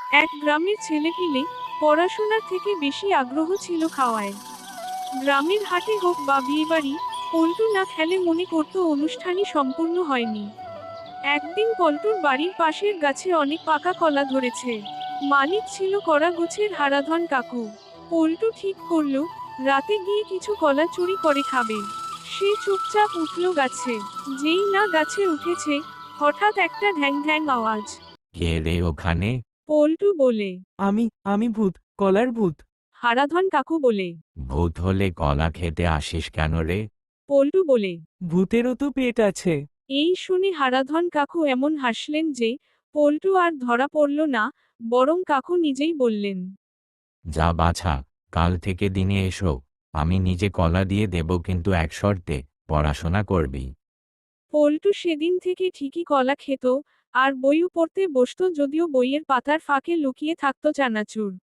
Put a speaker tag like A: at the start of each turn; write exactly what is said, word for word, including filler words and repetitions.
A: এক গ্রামের ছেলেপিলে পড়াশোনার থেকে বেশি আগ্রহ ছিল খাওয়ায়। গ্রামের হাটে হোক বা বিয়েবাড়ি, পল্টু না খেলে মনে করত অনুষ্ঠানই সম্পূর্ণ হয়নি। একদিন পল্টুর বাড়ির পাশের গাছে অনেক পাকা কলা ধরেছে। মালিক ছিল কড়া গোছের হারাধন কাকু। পল্টু ঠিক করল রাতে গিয়ে কিছু কলা চুরি করে খাবে। সে চুপচাপ উঠল গাছে। যেই না গাছে উঠেছে, হঠাৎ একটা ঢ্যাং ঢ্যাং আওয়াজ।
B: কে রে ওখানে?
A: পল্টু বলে।
C: আমি আমি ভূত, কলার ভূত।
A: হারাধন কাকু বলে।
B: ভূত হলে কলা খেতে আসিস কেন রে?
A: পল্টু বলে।
C: ভূতেরও তো পেট আছে।
A: এই শুনে হারাধন কাকু এমন হাসলেন যে পল্টু আর ধরা পড়ল না, বরং কাকু নিজেই বললেন।
B: যা বাছা, কাল থেকে দিনে এসো, আমি নিজে কলা দিয়ে দেব, কিন্তু এক শর্তে, পড়াশোনা করবি।
A: পল্টু সেদিন থেকে ঠিকই কলা খেত, আর বইও পড়তে বসত, যদিও বইয়ের পাতার ফাঁকে লুকিয়ে থাকত চানাচুর।